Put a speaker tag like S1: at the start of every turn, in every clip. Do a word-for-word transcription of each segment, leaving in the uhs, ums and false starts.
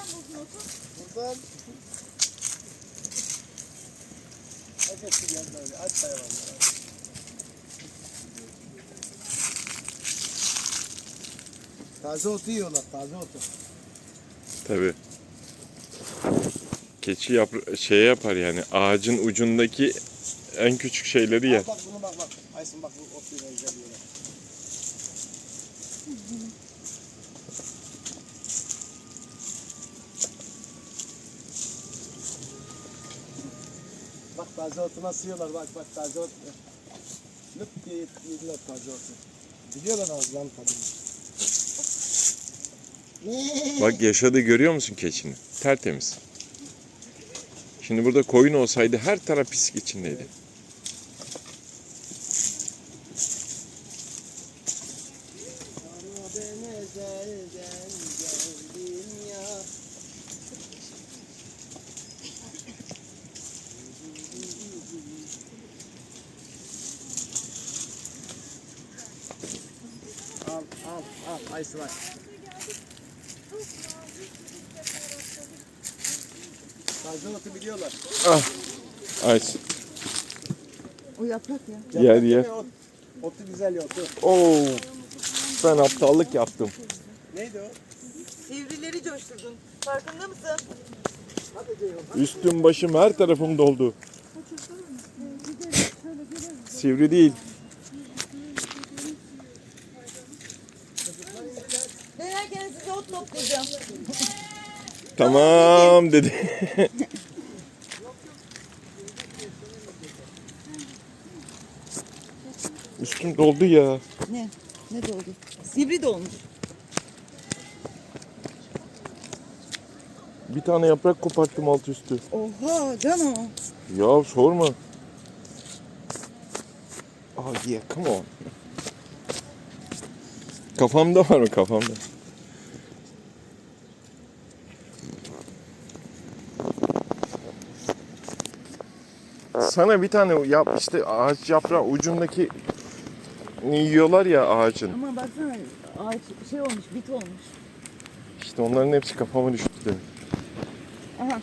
S1: buldun otu?
S2: Buradan. Hepsi geldi öyle. Aç hayvanlar. Taze otu yiyorlar. Taze otu.
S3: Tabii. Keçi yapra şey yapar yani ağacın ucundaki en küçük şeyleri yer.
S2: Al bak bunu bak bak. Aysun bak bu otu güzel yiyorlar. Bak taze otu nasıl yiyorlar bak bak taze otu. Lüp diye yediler taze otu. Biliyorlar ağızlarını tadını.
S3: Bak yaşadığı görüyor musun keçinin? Tertemiz. Şimdi burada koyun olsaydı her taraf pislik içindeydi.
S2: Al al al Aysun bak. Taze otu biliyorlar.
S3: Ah. Aysun.
S1: O yaprak ya.
S3: Yer
S2: Yaprak
S3: yer.
S2: değil mi? Ot, otu güzel ya otu.
S3: Oo. Ben aptallık yaptım.
S2: Neydi o?
S1: Sivrileri coşturdun. Farkında mısın?
S2: Hadi Ceyhun.
S3: Üstüm başım her tarafım doldu. Sivri değil.
S1: Denerken size ot toplayacağım.
S3: Tamam dedi. Üstüm doldu ya.
S1: Ne? Ne doldu? Sivri dolmuş.
S3: Bir tane yaprak koparttım alt üstü.
S1: Oha Cano.
S3: Ya sorma. Oh yeah, come on. Kafamda var mı kafamda? Sana bir tane yap işte ağaç yaprağı ucundaki yiyorlar ya ağacın.
S1: Ama baksana ağaç şey olmuş, bit olmuş.
S3: İşte onların hepsi kafama düştü demek.
S1: Aha.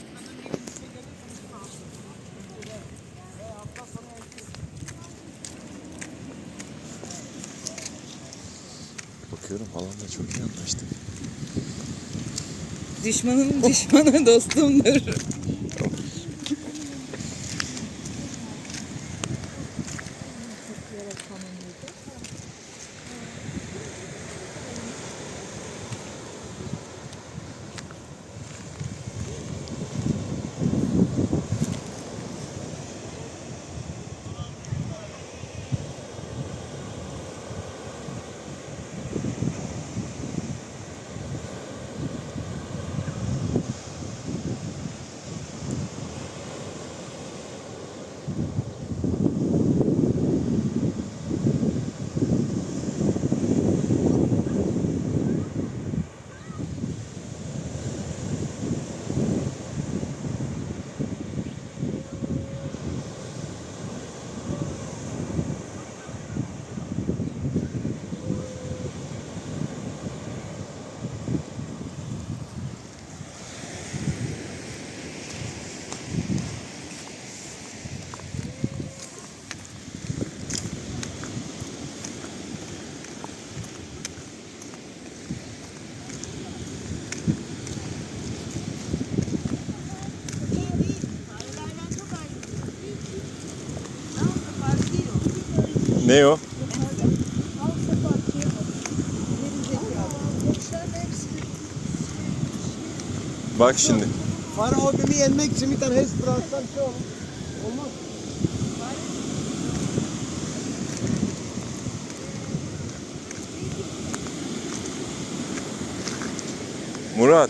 S3: Bakıyorum halamla çok iyi anlaştık.
S1: Düşmanın düşmanı dostumdur.
S3: Ne o? Bak şimdi.
S2: Fare hobimi yenmek için bir tane hepsi bıraksan şey olur. Olmaz.
S3: Murat.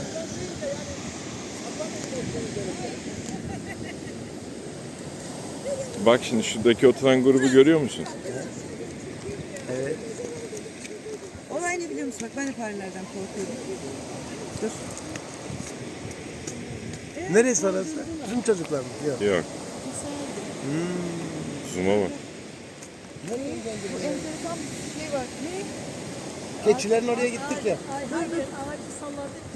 S3: Bak şimdi şuradaki oturan grubu görüyor musun?
S2: Evet.
S1: Olay ne biliyor musun? Bak ben de farelerden korkuyorum. Dur.
S2: Neresi orası? Bizim çocuklar mı? Yok.
S3: Yok. Zoom'a bak.
S1: Enteresan bir şey var. Ne?
S2: Keçilerin oraya gittik ya.
S1: Hayır, hayır, ağacı salladık.